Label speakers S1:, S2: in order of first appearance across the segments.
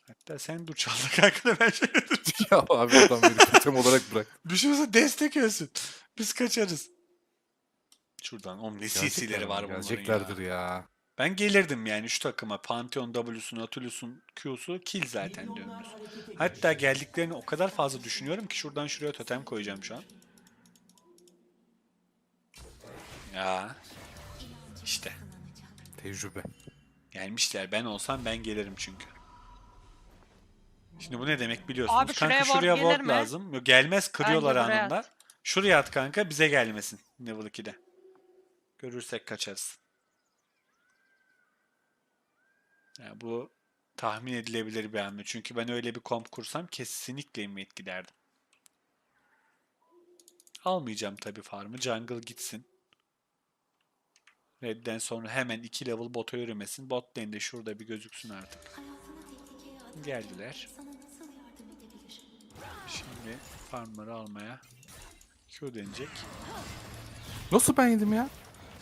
S1: Hatta sen dur çaldı kanka da ben şey
S2: Ya abi adam beni totem olarak bırak.
S1: Düşürse destek ölsün. Biz kaçarız. Şuradan oğlum ne
S2: Gelecekler
S1: CC'leri
S2: mi?
S1: var bunların
S2: Geleceklerdir
S1: ya.
S2: ya.
S1: Ben gelirdim yani şu takıma. Pantheon W'su, Nautilus'un Q'su kill zaten dönmüş. Hatta geldiklerini o kadar fazla düşünüyorum ki şuradan şuraya totem koyacağım şu an. Ya işte
S2: Tecrübe.
S1: gelmişler. Ben olsam ben gelirim çünkü. Şimdi bu ne demek
S3: Abi
S1: biliyorsunuz. Kanka
S3: şuraya ward
S1: şuraya
S3: gelir
S1: ward
S3: mi?
S1: lazım. Yok, gelmez kırıyorlar
S3: Bence buraya
S1: anında.
S3: at.
S1: Şuraya at kanka bize gelmesin. Level 2'de. Görürsek kaçarız. Yani bu tahmin edilebilir bir hamle. Çünkü ben öyle bir komp kursam kesinlikle invade giderdim. Almayacağım tabii farmı. Jungle gitsin. Red'den sonra hemen 2 level bota yürümesin. Bot lane de şurada bir gözüksün artık. Geldiler. Şimdi farmları almaya Q denecek.
S2: Nasıl ben yedim ya?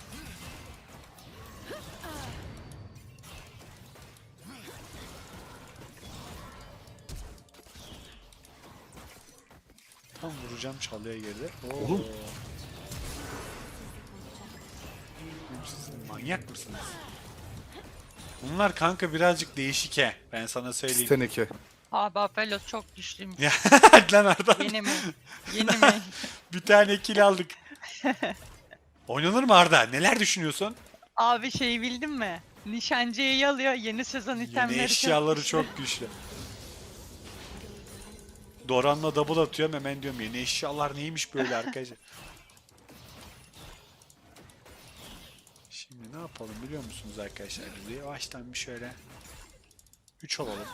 S1: Tam vuracağım çalıya girdi. Oo.
S2: Oğlum.
S1: Siz manyak mısınız? Bunlar kanka birazcık değişik he. Ben sana söyleyeyim.
S2: Teneke.
S3: Abi Apelos çok güçlüymüş.
S1: Ya hadi lan Arda.
S3: Yeni mi? Yeni mi?
S1: Bir tane kill aldık. Oynanır mı Arda? Neler düşünüyorsun?
S3: Abi şey bildin mi? Nişancıyı alıyor. Yeni sezon
S1: Yeni
S3: itemleri
S1: eşyaları
S3: güçlü.
S1: çok güçlü. Doran'la double atıyorum hemen diyorum yeni eşyalar neymiş böyle arkadaşlar. Şimdi ne yapalım biliyor musunuz arkadaşlar? Biz yavaştan bir şöyle 3 olalım.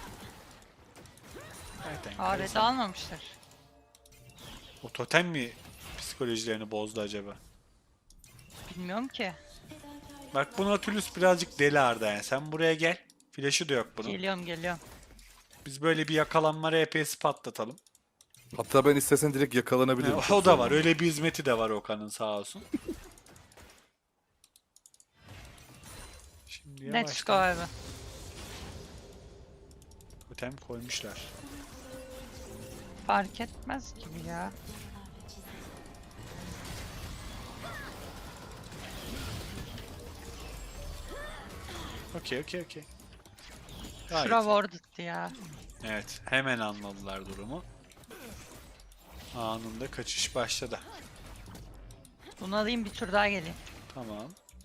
S1: Zaten
S3: Abi
S1: Kai'Sa-
S3: de almamışlar.
S1: O totem mi psikolojilerini bozdu acaba?
S3: Bilmiyorum ki.
S1: Bak bu Nautilus birazcık deli Arda yani. Sen buraya gel. Flash'ı da yok bunun.
S3: Geliyorum.
S1: Biz böyle bir yakalanma RP'si patlatalım.
S2: Hatta ben istesen direkt yakalanabilirim.
S1: O
S2: Çok
S1: da var.
S2: zorlanmam.
S1: Öyle bir hizmeti de var Okan'ın sağ olsun. Şimdi
S3: Let's go
S1: yavaştan
S3: abi.
S1: totem koymuşlar.
S3: Fark etmez gibi ya.
S1: Okey. Gayet.
S3: Şura ward attı ya.
S1: Evet. Hemen anladılar durumu. Anında kaçış başladı.
S3: Bunu alayım bir tur daha geleyim.
S1: Tamam.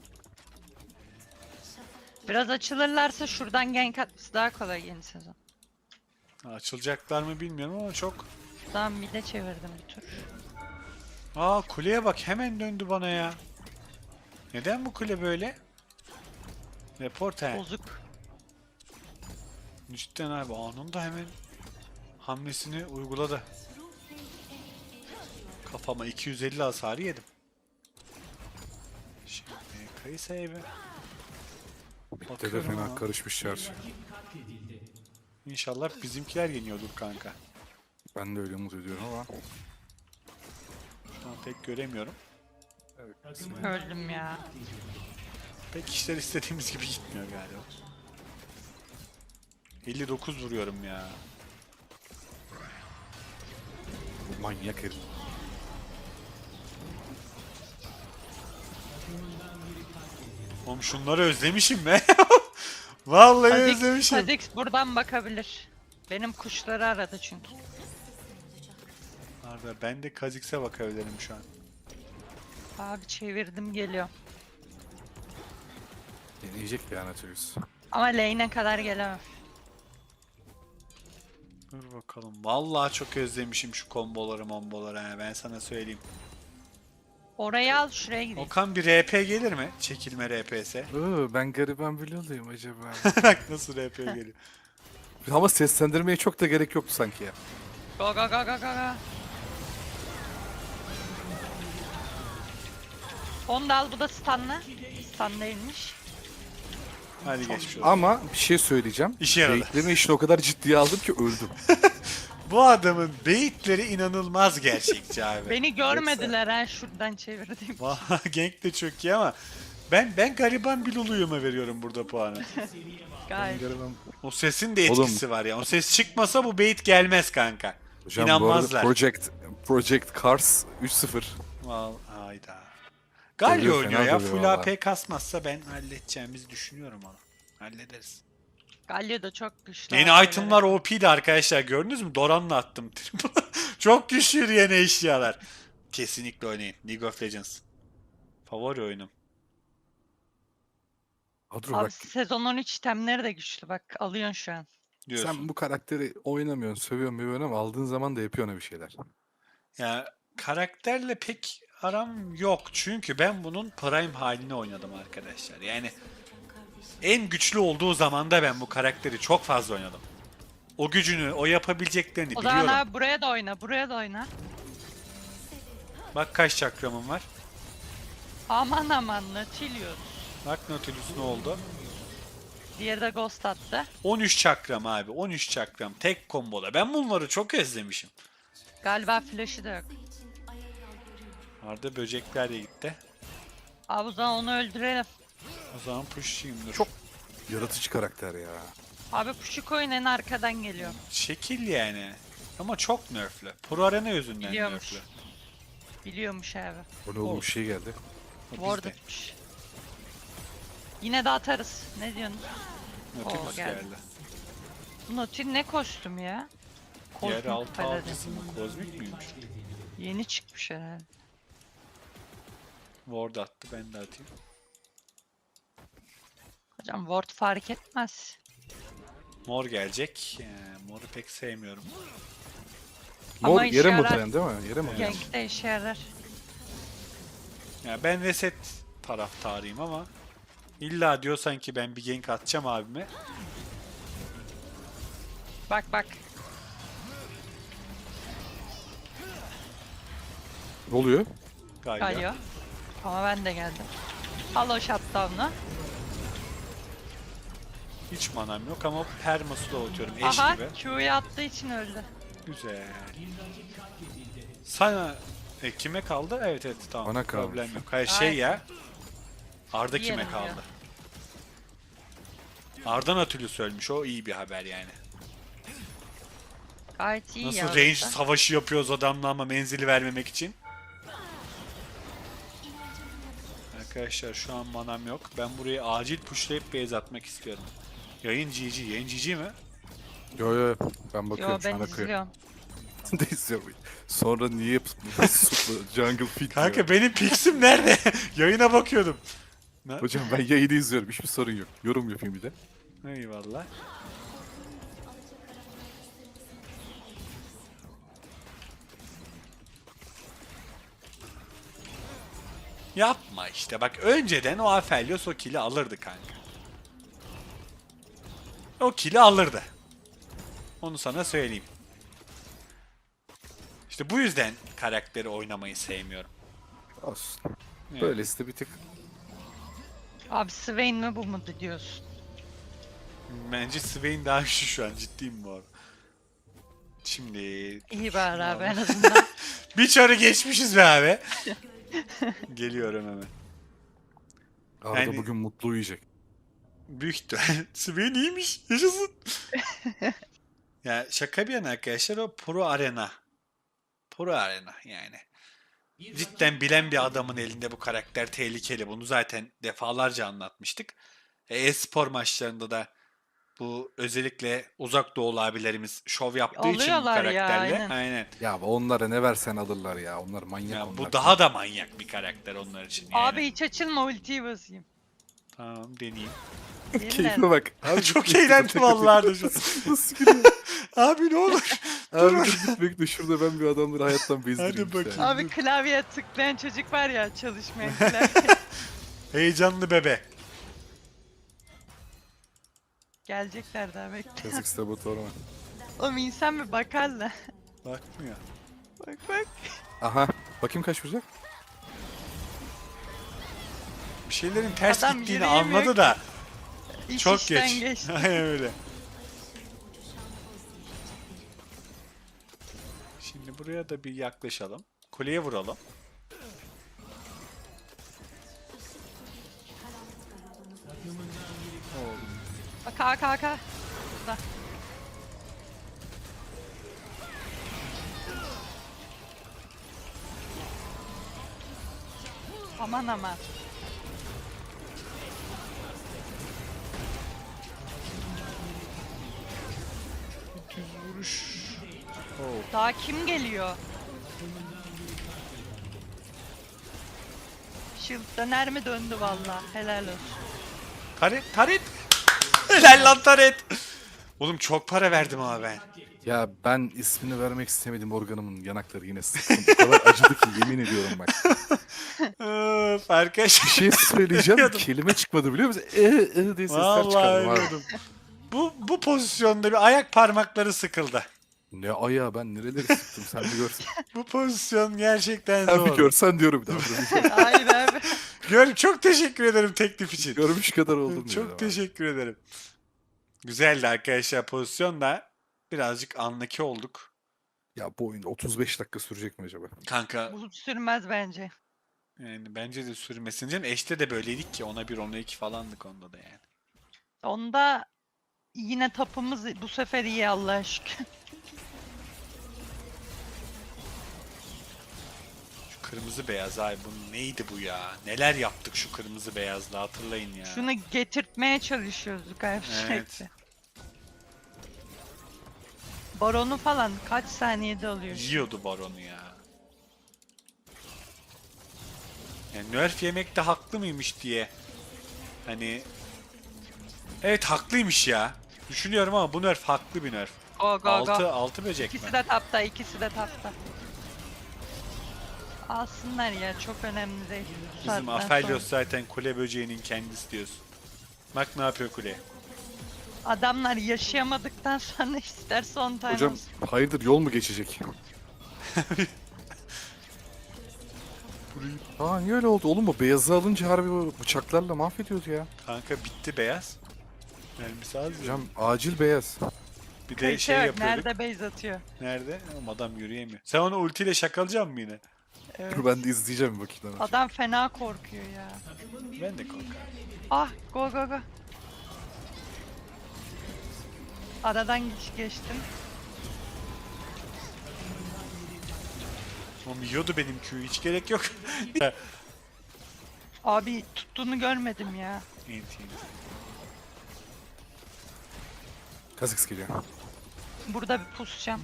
S3: Biraz açılırlarsa şuradan gank atması daha kolay yeni sezon.
S1: Açılacaklar mı bilmiyorum ama çok...
S3: Daha mid'e çevirdim bir tur.
S1: Aa kuleye bak hemen döndü bana ya. Neden bu kule böyle? Report he.
S3: Bozuk.
S1: Cidden abi anında hemen hamlesini uyguladı. Kafama 250 hasarı yedim. Şimdi Kayısa'ya bir
S2: Bitti de
S1: bakıyorum
S2: fena
S1: ama
S2: karışmış çarşı.
S1: İnşallah bizimkiler yeniyordur kanka.
S2: Ben de öyle umut ediyorum ama.
S1: Şu an pek göremiyorum.
S3: Öldüm ya.
S1: Pek işler istediğimiz gibi gitmiyor galiba. 59 vuruyorum ya.
S2: Bu manyak herif.
S1: Oğlum şunları özlemişim be. Vallahi
S3: Kha'Zix,
S1: özlemişim.
S3: Kha'Zix buradan bakabilir. Benim kuşları aradı çünkü.
S1: Arda ben de Kha'Zix'e bakabilirim şu an.
S3: Abi çevirdim geliyor.
S2: Deneyecek ya Nautilus.
S3: Ama lane'e kadar gelemem.
S1: Dur bakalım. Vallahi çok özlemişim şu komboları ha. Ben sana söyleyeyim.
S3: Orayı al şuraya gideyim.
S1: Okan bir RP gelir mi? Çekilme RP'se.
S2: Ben gariban bile olayım acaba.
S1: Bak nasıl RP geliyor.
S2: Ama seslendirmeye çok da gerek yoktu sanki ya.
S3: Go. Onu da al bu da stunlı. Stun değilmiş.
S1: Hadi geçmiş olsun.
S2: Ama bir şey söyleyeceğim.
S1: İşe yaradı.
S2: Bekleme işini o kadar ciddiye aldım ki öldüm.
S1: Bu adamın beyitleri inanılmaz gerçekçi abi.
S3: Beni görmediler ha şuradan çevirdim.
S1: Vallahi Gank de çok iyi ama ben gariban bir Lulu'yuma veriyorum burada puanı.
S3: Gayet.
S2: Göremem.
S1: O sesin de
S2: Oğlum.
S1: etkisi var ya. O ses çıkmasa bu bait gelmez kanka.
S2: Hocam bu arada
S1: İnanmazlar.
S2: Project Cars 3-0.
S1: Hayda. Galio
S2: Dövüyor,
S1: oynuyor
S2: fena
S1: ya.
S2: dövüyor
S1: Full
S2: valla.
S1: AP kasmazsa ben halledeceğimizi düşünüyorum onu. Hallederiz.
S3: Galio da çok güçlü.
S1: Yeni
S3: abi,
S1: itemlar OP'di arkadaşlar. Gördünüz mü? Doran'la attım. Çok güçlü yeni eşyalar. Kesinlikle oynayın. League of Legends. Favori oyunum.
S2: Adro
S3: Abi
S2: bak,
S3: sezon 13 itemleri de güçlü bak alıyorsun şu an.
S1: Diyorsun.
S2: sen bu karakteri oynamıyorsun, sövüyorsun ama aldığın zaman da yapıyorsun bir şeyler.
S1: Ya karakterle pek aram yok. Çünkü ben bunun prime halini oynadım arkadaşlar. Yani en güçlü olduğu zamanda ben bu karakteri çok fazla oynadım. O gücünü, o yapabileceklerini
S3: O zaman
S1: biliyorum.
S3: abi buraya da oyna, buraya da oyna.
S1: Bak kaç çakramım var.
S3: Aman aman Nautilus.
S1: Bak Nautilus ne oldu?
S3: Diğeri de Ghost attı.
S1: 13 çakram abi. 13 çakram. Tek komboda. Ben bunları çok özlemişim.
S3: Galiba flash'ı da yok.
S1: Arada böcekler de gitti.
S3: Abi o zaman onu öldürelim.
S1: O zaman push'ayım dur.
S2: Çok yaratıcı karakter ya.
S3: Abi Puşuk oyun en arkadan geliyor.
S1: Şekil yani. Ama çok nerflü. Pro Arena yüzünden
S3: Biliyormuş.
S1: nerflü.
S3: Biliyormuş abi.
S2: O ne oğlum, bir şey geldi.
S1: O
S3: Ward
S1: bizde.
S3: atmış. Yine de atarız. Ne diyorsun?
S1: Nautilus
S3: Oo, geldi.
S1: geldi.
S3: Bu Nautil ne kostüm ya?
S1: Diğer
S3: Kozmik
S1: altı
S3: Paladin.
S1: avcısı mı? Kozmik miymiş?
S3: Yeni çıkmış herhalde.
S1: Ward attı. Ben de atayım.
S3: Hocam Ward fark etmez.
S1: Mor gelecek. Mor'u pek sevmiyorum.
S3: Ama
S2: Mor
S3: işe
S2: yere mi
S3: yarar.
S2: oturan değil mi? Yere mi oturan?
S3: Gank'te işe yarar.
S1: Ya ben reset taraftarıyım ama illa diyorsan ki ben bir gank atacağım abime.
S3: Bak bak.
S2: Ne oluyor?
S1: Galiba.
S3: Galio. Ama ben de geldim. Al o shutdown'u.
S1: Hiç manam yok ama permasla atıyorum eş
S3: Aha
S1: gibi.
S3: Q'yu attığı için öldü.
S1: Güzel. Sana kime kaldı? Evet evet tamam.
S2: Bana kaldı.
S1: Problem yok. Hayır şey
S3: Ay.
S1: ya. Arda kime
S3: Diyelim
S1: kaldı?
S3: ya.
S1: Arda Nautilus ölmüş. O iyi bir haber yani.
S3: Gayet iyi
S1: Nasıl
S3: ya.
S1: range
S3: orası.
S1: savaşı yapıyoruz adamla ama menzili vermemek için. Arkadaşlar şu an manam yok. Ben burayı acil pushlayıp base atmak istiyorum. Yayın GG. Yayın GG mi?
S2: Yo yo, ben bakıyorum
S3: Yo
S2: şu an
S3: ben
S2: akıyor.
S3: izliyorum.
S2: de izliyorum. Sonra niye supla jungle fit
S1: Kanka
S2: diyor.
S1: benim pixim nerede? Yayına bakıyordum.
S2: Hocam ben yayını izliyorum, hiçbir sorun yok. Yorum yapayım bir de.
S1: Eyvallah. Yapma işte bak önceden o Aphelios o kill'i alırdı kanka. O kill'i alırdı. Onu sana söyleyeyim. İşte bu yüzden karakteri oynamayı sevmiyorum.
S2: Olsun.
S1: Evet.
S2: Böylesi de bir tık.
S3: Abi Swain mi bu mu diyorsun?
S1: Bence Swain daha güçlü şu an ciddiyim bu arada. Şimdi...
S3: İyi bari abi en
S1: Şunu al.
S3: azından.
S1: Bir çarı geçmişiz be abi. Geliyorum hemen.
S2: Arda
S1: Yani-
S2: bugün mutlu uyuyacak.
S1: Büyük ihtimal. Swain iyiymiş. Yaşasın. Ya şaka bir yana arkadaşlar o Pro Arena. Pro Arena yani. Cidden bilen bir adamın elinde bu karakter tehlikeli. Bunu zaten defalarca anlatmıştık. E-spor maçlarında da bu özellikle uzak doğulu abilerimiz şov yaptığı için bu
S3: Alıyorlar ya,
S1: karakterle.
S3: aynen.
S2: Ya onlara ne versen alırlar ya. Onlar manyak
S1: Ya
S2: onlar.
S1: bu daha da manyak bir karakter onlar için. Yani.
S3: Abi hiç açılma ultiyi basayım.
S1: Tamam deneyeyim.
S2: Keyfine bak. Abi
S1: Çok eğlendim vallahi da şu.
S2: Nasıl gidiyor?
S1: Abi ne olur.
S2: Abi dur bekle, şurada ben bir adamları hayattan bezdireyim.
S1: Hadi bakayım.
S2: Ya.
S3: Abi klavyeye tıklayan çocuk var ya çalışmayan klavye.
S1: Heyecanlı bebe.
S3: Gelecekler daha bekle.
S2: Yazık saboteur var.
S3: Oğlum insan bir bakar da.
S1: Bakmıyor.
S3: Bak bak.
S2: Aha. Bakayım kaç vuracak?
S1: Bir şeylerin ters
S3: Adam
S1: gittiğini
S3: yürüyemiyor
S1: anladı
S3: ki.
S1: da
S3: İş
S1: çok
S3: işten
S1: geç.
S3: geçti.
S1: Aynen öyle. Şimdi buraya da bir yaklaşalım. Kuleye vuralım.
S3: Bak K. Burada. Aman aman.
S1: Düz vuruş.
S3: Daha kim geliyor? Shield döner mi döndü valla. Helal olsun.
S1: Taret. Helal lan Taret. Oğlum çok para verdim ama ben.
S2: Ya ben ismini vermek istemedim, organımın yanakları yine sıktım. O kadar acıdı ki yemin ediyorum bak.
S1: Öf, arkadaşlar.
S2: Bir şey söyleyeceğim,
S1: Biliyordum.
S2: kelime çıkmadı biliyor musun? Diye sesler
S1: Vallahi
S2: çıkardım abi.
S1: ölüyordum. Bu pozisyonda bir ayak parmakları sıkıldı.
S2: Ne ayağı, ben nereleri sıktım sen bir görsen.
S1: Bu pozisyon gerçekten
S2: Sen bir
S1: zor.
S2: görsen diyorum bir daha.
S3: Hayır abi.
S1: Çok teşekkür ederim teklif için.
S2: Görmüş kadar oldum.
S1: Çok teşekkür ederim. Güzeldi arkadaşlar, pozisyon da birazcık anlaki olduk.
S2: Ya bu oyun 35 dakika sürecek mi acaba?
S1: Kanka
S3: Bu sürmez bence.
S1: yani bence de sürmesin canım. Eşte de böyleydik ki ona 1 ona 2 falandık onda da yani.
S3: Onda yine tapımız bu sefer iyi Allah'a şükür.
S1: Şu kırmızı beyaz ay bu neydi bu ya? Neler yaptık şu kırmızı beyazla hatırlayın ya.
S3: Şunu getirtmeye çalışıyoruz gayet
S1: Evet.
S3: sürekli. Baronu falan kaç saniyede alıyor?
S1: Yiyordu baronu ya. Yani nerf yemekte haklı mıymış diye. Hani evet haklıymış ya. Düşünüyorum ama bu nerf haklı bir nerf.
S3: Go go
S1: Altı
S3: go.
S1: altı böcek mi?
S3: İkisi de tapta, ikisi de tapta. Alsınlar ya, çok önemli değil. Bu
S1: Bizim
S3: saatten
S1: Aphelios
S3: sonra.
S1: zaten kule böceğinin kendisi diyorsun. Bak ne yapıyor kule.
S3: Adamlar yaşayamadıktan sonra isterse 10 tane
S2: Hocam
S3: olsun.
S2: hayırdır, yol mu geçecek? Aa niye öyle oldu? Oğlum bu beyazı alınca harbi bu bıçaklarla mahvediyordu ya.
S1: Kanka bitti beyaz. Mermisi az ya.
S2: Hocam acil beyaz.
S1: Bir de
S3: Kayışı
S1: şey
S3: yok,
S1: yapıyorduk.
S3: nerede base atıyor?
S1: Nerede? Ama adam yürüyemiyor. Sen onu ultiyle şakalayacak mısın yine?
S3: Evet.
S2: Dur ben de izleyeceğim bir bakayım.
S3: Adam fena korkuyor ya.
S1: Ben de korkarım.
S3: Ah, go go go. Aradan geçtim.
S1: Oğlum yiyordu benim Q'yu hiç gerek yok.
S3: Abi tuttuğunu görmedim ya.
S1: Enti.
S2: Kazıks geliyor.
S3: Burada bir pusacağım.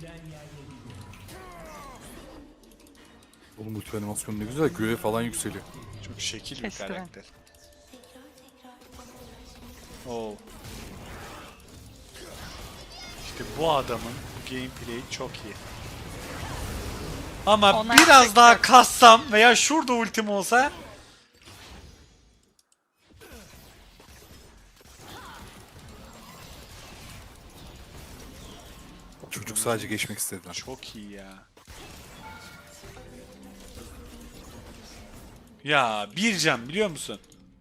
S2: Oğlum ulti animasyonu ne güzel, göğe falan yükseliyor.
S1: Çok şekil bir
S3: Kestiren.
S1: karakter. Oo. İşte bu adamın bu gameplay'i çok iyi. Ama
S3: Ona
S1: biraz
S3: yapacak
S1: daha
S3: yok.
S1: kassam veya şurada ultim olsa
S2: Çocuk sadece geçmek istediler.
S1: çok iyi ya. Ya bir can biliyor musun?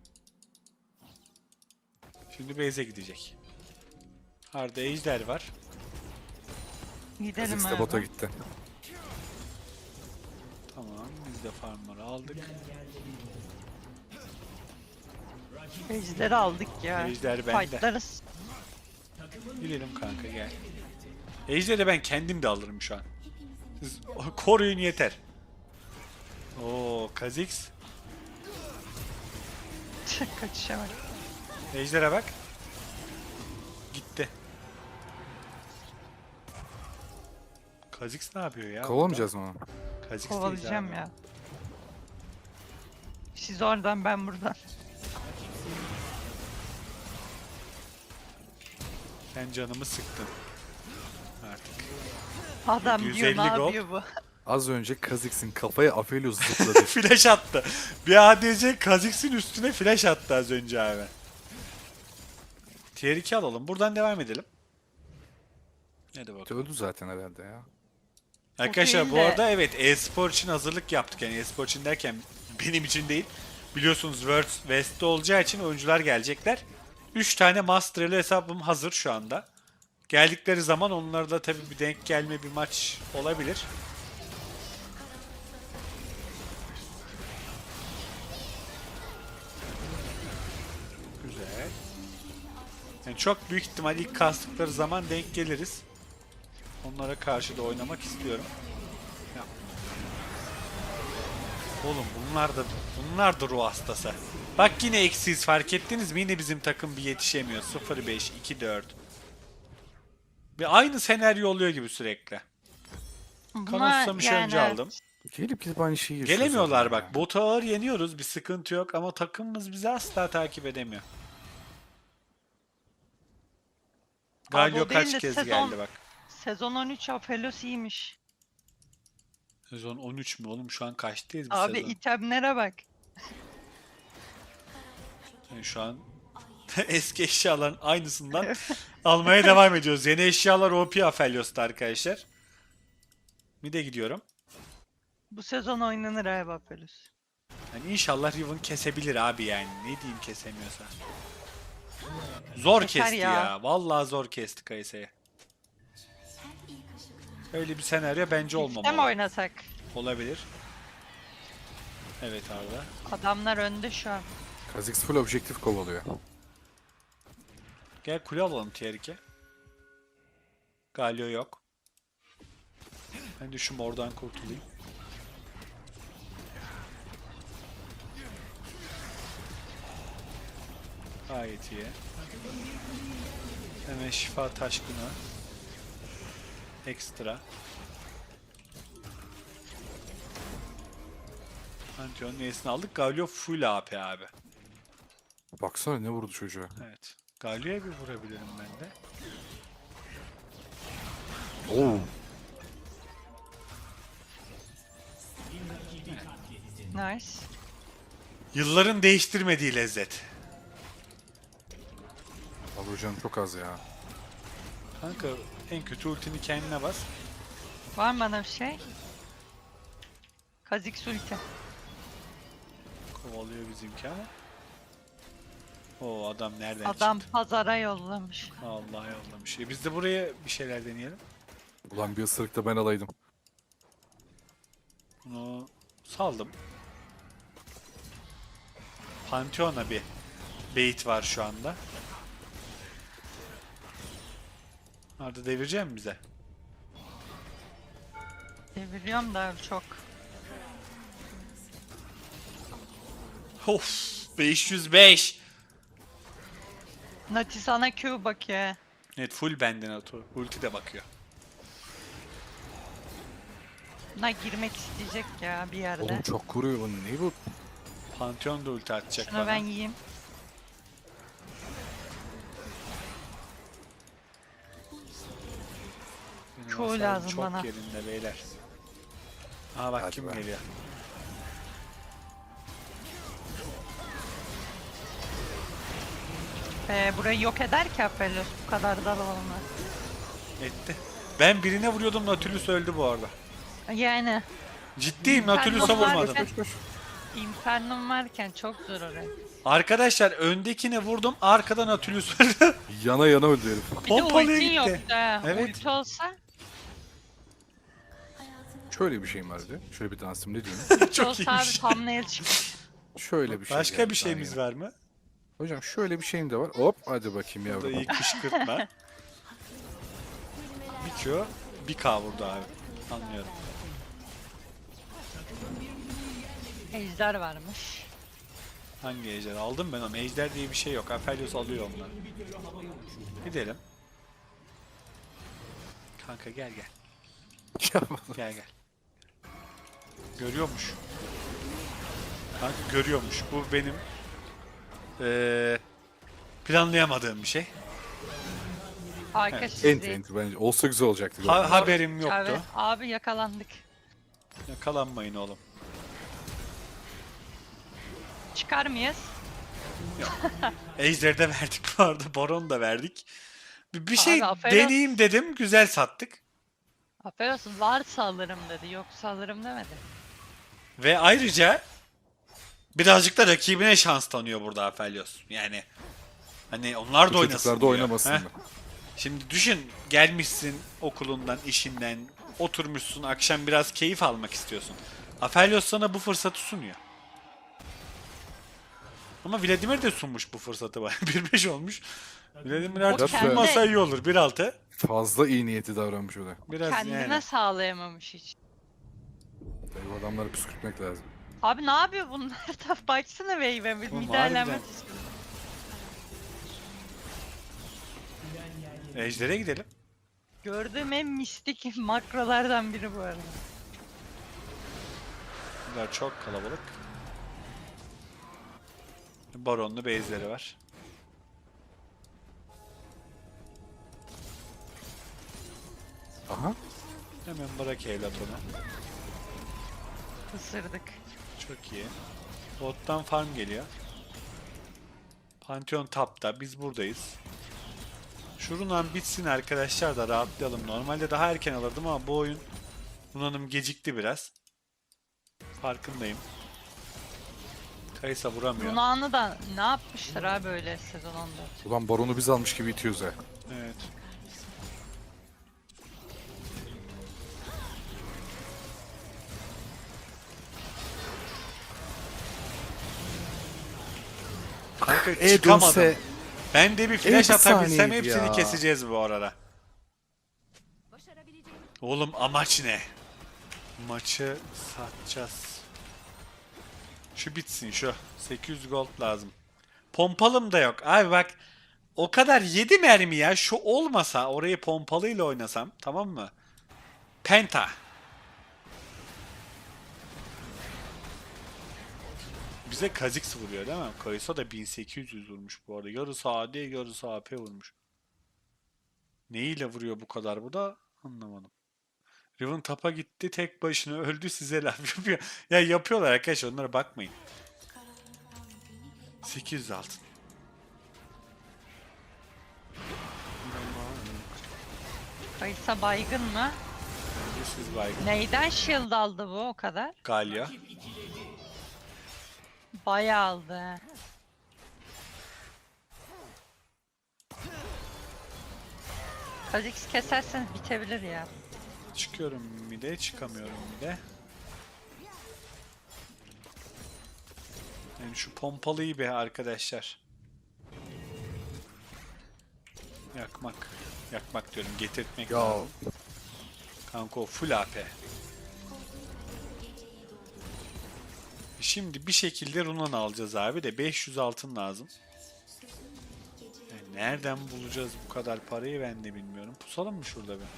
S1: Şimdi base'e gidecek. Arda ejder var.
S3: Gidelim
S2: Kazıks da bota
S3: abi.
S2: gitti.
S1: Tamam biz de farmları aldık.
S3: Ejderi aldık ya.
S1: Ejder bende.
S3: Fightlarız.
S1: Gidelim kanka gel. Ejder'i ben kendim de alırım şu an. Siz koruyun yeter. Oo Kha'Zix.
S3: Kaçışa bak.
S1: Ejder'e bak. Gitti. Kha'Zix ne yapıyor ya?
S2: Kovalamayacağız mı onu?
S1: Kha'Zix
S3: Kovalayacağım
S1: değil
S3: ya. Siz oradan, ben buradan.
S1: Sen canımı sıktın. Artık.
S3: Adam diyor
S1: 150
S3: ne
S1: gold.
S3: yapıyor bu?
S2: Az önce Kazıks'ın kafaya Aphelios zıpladı.
S1: Flash attı. Bir ADC Kha'Zix'in üstüne flash attı az önce abi. Tier 2 alalım. Buradan devam edelim. Hadi bakalım.
S2: Öldü zaten herhalde ya.
S1: Arkadaşlar
S3: değil
S1: bu
S3: de-
S1: arada evet e-spor için hazırlık yaptık. Yani e-spor için derken benim için değil. Biliyorsunuz Worlds West'te olacağı için oyuncular gelecekler. 3 tane Master'lı hesabım hazır şu anda. Geldikleri zaman onlarda tabii bir denk gelme bir maç olabilir. Güzel. Yani çok büyük ihtimal ilk kastıkları zaman denk geliriz. Onlara karşı da oynamak istiyorum. Ya. Oğlum bunlar da ruh hastası. Bak yine eksiyiz, fark ettiniz mi? Yine bizim takım bir yetişemiyor. 0-5, 2-4. Bir aynı senaryo oluyor gibi sürekli. Kanal susamış önce aldım.
S2: Gelip gidip aynı şeyi yaşıyoruz.
S1: Gelemiyorlar
S2: zaten
S1: bak.
S2: ya.
S1: Botu ağır yeniyoruz. Bir sıkıntı yok ama takımımız bizi asla takip edemiyor. Galio
S3: o değil
S1: kaç
S3: de
S1: kez
S3: sezon-
S1: geldi bak.
S3: Sezon 13 Aphelios iyiymiş.
S1: Sezon 13 mü oğlum? Şu an kaçtayız bu
S3: Abi
S1: sezon?
S3: itemlere bak.
S1: Yani şu an eski eşyaların aynısından almaya devam ediyoruz. Yeni eşyalar OP Aphelios'ta arkadaşlar. Mid'e gidiyorum.
S3: Bu sezon oynanır abi Aphelios.
S1: Yani inşallah Riven kesebilir abi yani. Ne diyeyim kesemiyorsa. Zor
S3: Keser
S1: kesti
S3: ya.
S1: ya. Vallahi zor kesti Kayse'yi. Öyle bir senaryo bence
S3: İşte mi
S1: olmamalı.
S3: oynasak?
S1: Olabilir. Evet Arda.
S3: Adamlar önde şu an.
S2: Kha'Zix full objektif kovalıyor.
S1: Gel kule alalım tier 2. Galio yok. Ben de şu mordan kurtulayım. Gayet iyi. Hemen şifa taşkını. Ekstra. Pantheon neyesini aldık? Galio full AP abi.
S2: Baksana ne vurdu çocuğa.
S1: Evet. Galio'ya bir vurabilirim ben de.
S2: Oo.
S3: Nice.
S1: Yılların değiştirmediği lezzet.
S2: Abi hocam çok az ya.
S1: Kanka en kötü ultini kendine bas.
S3: Var mı bana bir şey? Kha'Zix ulti.
S1: Kovalıyor bizimki ama. O adam nereden
S3: Adam
S1: çıktı?
S3: pazara yollamış.
S1: Allah yollamış. Biz de buraya bir şeyler deneyelim.
S2: Ulan bir ısırık da ben alaydım.
S1: Bunu saldım. Pantheon'a bir bait var şu anda. Arda devirecek mi bize?
S3: Deviriyorum da çok.
S1: Of 505.
S3: Nati sana Q bakıyor.
S1: Evet full benden atıyor. Ulti de bakıyor.
S3: Buna girmek isteyecek ya bir yerde.
S2: Oğlum çok vuruyor. Bu ne bu?
S1: Pantheon da ulti atacak
S3: Şunu
S1: bana.
S3: ben yiyeyim.
S1: Benim
S3: Çoğu
S1: hasarım
S3: lazım
S1: çok
S3: bana.
S1: yerinde beyler. Aha bak
S2: Hadi
S1: kim
S2: be.
S1: geliyor.
S3: Burayı yok eder ki Aphelios bu kadar da olmaz.
S1: Etti. Ben birine vuruyordum, Nautilus öldü bu arada.
S3: Yani
S1: Ciddiyim,
S3: Ben
S1: Nautilus'a
S3: bunlar
S1: vurmadım.
S3: bir- Infernum varken çok zor oraya.
S1: Arkadaşlar öndekine vurdum, arkadan Nautilus öldü.
S2: Yana yana öldü herif.
S3: Bir de
S1: Pompalıya
S3: ultin
S1: gitti.
S3: yoktu ha.
S1: Evet.
S3: Ulti olsa,
S2: Şöyle bir şeyim vardı. Şöyle bir dansım ne diyeyim.
S3: ulti
S1: Çok
S3: olsa abi
S1: iyiymiş.
S3: thumbnail çıkmış.
S2: Şöyle bir şey.
S1: Başka
S2: geldi
S1: bir şeyimiz
S2: daha yeni.
S1: var mı?
S2: Hocam şöyle bir şeyim de var. Hop hadi bakayım
S1: Bu da
S2: yavrum.
S1: iyi kışkırtma. Bir Q, bir K vurdu abi. Anlıyorum.
S3: Ejder varmış.
S1: Hangi ejder? Aldım ben onu. Ejder diye bir şey yok. Aphelios alıyor onları. Gidelim. Kanka gel gel. Gel gel. Görüyormuş. Kanka görüyormuş. Bu benim planlayamadığım bir şey.
S3: Arka
S1: Evet,
S3: sizi.
S2: Enti enti bence. Olsa güzel olacaktı.
S1: Haberim yoktu.
S3: Evet, abi yakalandık.
S1: Yakalanmayın oğlum.
S3: Çıkar mıyız?
S1: Ejder'i de verdik bu arada. Baron da verdik. Bir şey
S3: Abi, aferin.
S1: deneyeyim dedim. Güzel sattık.
S3: Aphelios varsa alırım dedi, yoksa alırım demedi.
S1: Ve ayrıca birazcık da rakibine şans tanıyor burada Aphelios. Yani hani onlar da oynasın
S2: Çocuklar da
S1: diyor.
S2: oynamasın
S1: Heh.
S2: da.
S1: Şimdi düşün, gelmişsin okulundan, işinden, oturmuşsun, akşam biraz keyif almak istiyorsun. Aphelios sana bu fırsatı sunuyor. Ama Vladimir de sunmuş bu fırsatı bana. 1-5 olmuş. Vladimir
S3: O
S1: artık
S3: kendi-
S1: sunmasa iyi olur. 1-6.
S2: Fazla iyi niyeti davranmış o da.
S1: Biraz
S3: Kendine
S1: yani.
S3: sağlayamamış hiç.
S2: Tabii bu adamları püskürtmek lazım.
S3: Abi ne yapıyor bunlar? Da baksana Wave'e bir
S1: Oğlum,
S3: müdahalemek
S1: harbiden.
S3: istiyorum.
S1: Ejder'e gidelim.
S3: Gördüğüm en mistik makrolardan biri bu arada.
S1: Bunlar çok kalabalık. Baronlu base'leri var.
S2: Aha.
S1: Hemen bırak evlat onu.
S3: Isırdık.
S1: Çok iyi. Bottan farm geliyor. Pantheon tapta. Biz buradayız. Şu Runan bitsin arkadaşlar da rahatlayalım. Normalde daha erken alırdım ama bu oyun Runan'ım gecikti biraz. Farkındayım. Kaysa vuramıyor.
S3: Runağını da ne yapmışlar abi böyle sezon 14.
S2: Ulan baronu biz almış gibi itiyoruz ha.
S1: Evet. Kanka çıkamadım. Ben de bir flash
S2: bir
S1: atabilsem
S2: saniyeydi
S1: hepsini
S2: ya.
S1: keseceğiz bu arada. Oğlum amaç ne? Maçı satacağız. Şu bitsin şu. 800 gold lazım. Pompalım da yok. Abi bak o kadar 7 mermi ya. Şu olmasa orayı pompalıyla oynasam tamam mı? Penta. Bize Kha'Zix vuruyor değil mi? Kai'Sa da 1800 vurmuş bu arada. Yarısı AD yarısı AP vurmuş. Neyle vuruyor bu kadar bu da anlamadım. Riven tapa gitti tek başına öldü size laf yapıyor. Ya yapıyorlar arkadaşlar onlara bakmayın. 800 altın.
S3: Kayısa baygın mı?
S1: Siz baygın.
S3: Neyden shield aldı bu o kadar?
S1: Galya.
S3: Bayağı aldı he. Kha'Zix keserseniz bitebilir ya.
S1: Çıkıyorum mide, çıkamıyorum mide. Yani şu pompalıyı be arkadaşlar. Yakmak. Yakmak diyorum, getirtmek
S2: Ya
S1: lazım. Kanka o full AP. Şimdi bir şekilde Runan alacağız abi de 500 altın lazım. Yani nereden bulacağız bu kadar parayı ben de bilmiyorum. Pusalım mı şurada bir?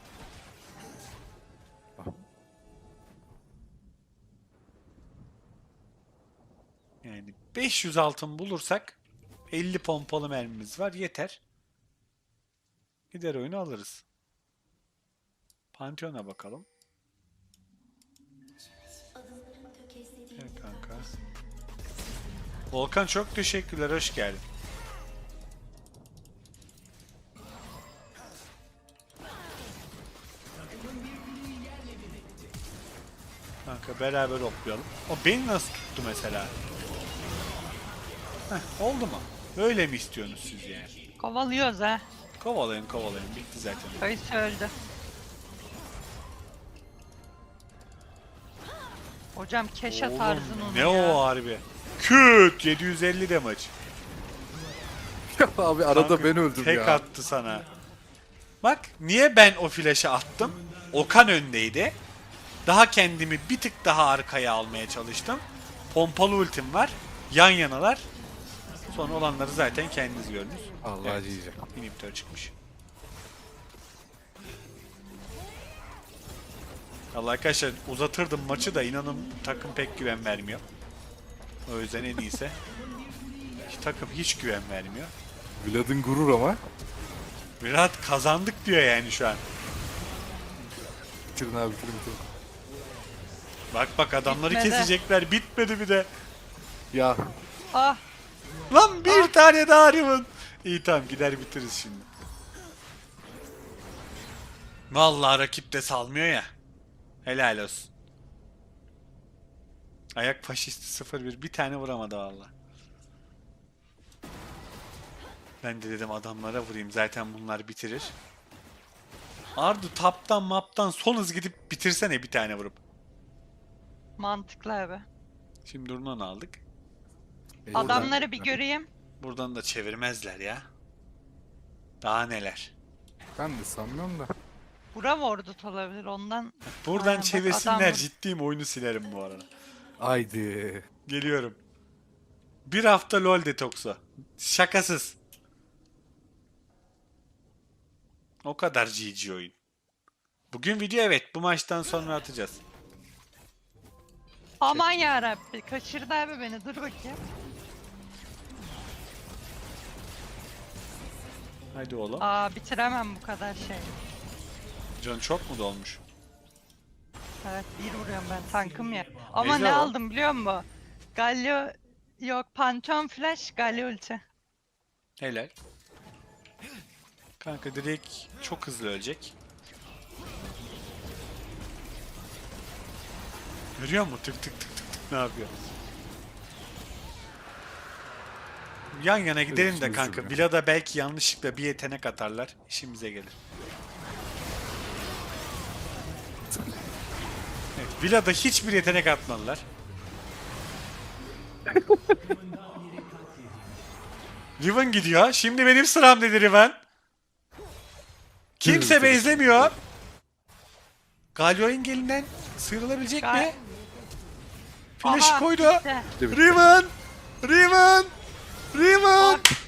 S1: Yani 500 altın bulursak 50 pompalı mermimiz var yeter. Gider oyunu alırız. Pantheon'a bakalım. Gel kanka. Volkan çok teşekkürler, hoş geldin. Kanka beraber hoplayalım. O beni nasıl tuttu mesela? Heh, oldu mu? Öyle mi istiyorsunuz siz yani?
S3: Kovalıyoruz ha.
S1: Kovalayın kovalayın, bitti zaten.
S3: Kayısa öldü. Hocam keşe
S1: Oğlum,
S3: tarzın onu
S1: ne
S3: ya.
S1: o harbi? Küt 750 damage.
S2: abi arada
S1: Kanka,
S2: ben öldüm
S1: tek
S2: ya.
S1: attı sana. Bak niye ben o flash'ı attım? Okan öndeydi. Daha kendimi bir tık daha arkaya almaya çalıştım. Pompalı ultim var. Yan yanalar. Sonra olanları zaten kendiniz gördünüz.
S2: Allah
S1: Evet,
S2: diyeceğim.
S1: inhibitor çıkmış. Allah arkadaşlar uzatırdım maçı da inanın takım pek güven vermiyor. O yüzden en iyisi. Takım hiç güven vermiyor.
S2: Vlad'ın gurur ama.
S1: Virat kazandık diyor yani şu an.
S2: Bitirin abi bitirin.
S1: Bak bak adamları
S3: Bitmedi.
S1: kesecekler. Bitmedi bir de.
S2: Ya
S3: Ah
S1: Lan bir tane daha Riven. İyi tamam gider bitiririz şimdi. Vallahi rakip de salmıyor ya. Helal olsun. Ayak faşisti 0-1 bir tane vuramadı valla. Ben de dedim adamlara vurayım zaten bunlar bitirir. Ardu taptan maptan son hız gidip bitirsene bir tane vurup.
S3: mantıklı abi.
S1: Şimdi Runan aldık.
S2: Eyvallah.
S3: Adamları bir göreyim.
S1: Buradan da çevirmezler ya. Daha neler.
S2: Ben de sanmıyorum da.
S3: Bura Wardut olabilir ondan.
S1: Buradan
S3: Aynen bak,
S1: çevirsinler,
S3: adam-
S1: ciddiyim, oyunu silerim bu arada.
S2: Haydi.
S1: Geliyorum. Bir hafta LoL detoksu. Şakasız. O kadar GG oyun. Bugün video evet, bu maçtan sonra atacağız.
S3: Aman yarabbi kaçırdı abi beni dur bakayım.
S1: Haydi oğlum.
S3: Aa bitiremem bu kadar şey.
S1: Can çok mu dolmuş?
S3: Evet bir vuruyorum ben tankım ya. Ama
S1: Ejder
S3: ne
S1: o.
S3: aldım biliyor musun? Galio yok Pantheon Flash Galio ulti.
S1: Helal. Kanka direkt çok hızlı ölecek. Görüyor musun? Tık tık tık tık tık ne yapıyor? Yan yana gidelim de
S2: işimizi
S1: kanka.
S2: görüyor.
S1: Villa'da belki yanlışlıkla bir yetenek atarlar. İşimize gelir. Evet, Villa'da hiçbir yetenek atmadılar. Riven gidiyor. Şimdi benim sıram dedi Riven. Kimse
S2: Hızlı.
S1: bezlemiyor. Galio'nun gelinden sıyrılabilecek
S3: Ga-
S1: mi? Flash
S3: Aha,
S1: koydu.
S3: bitti.
S2: Bitti, bitti.
S1: Riven! Riven! Riven!
S3: Ah,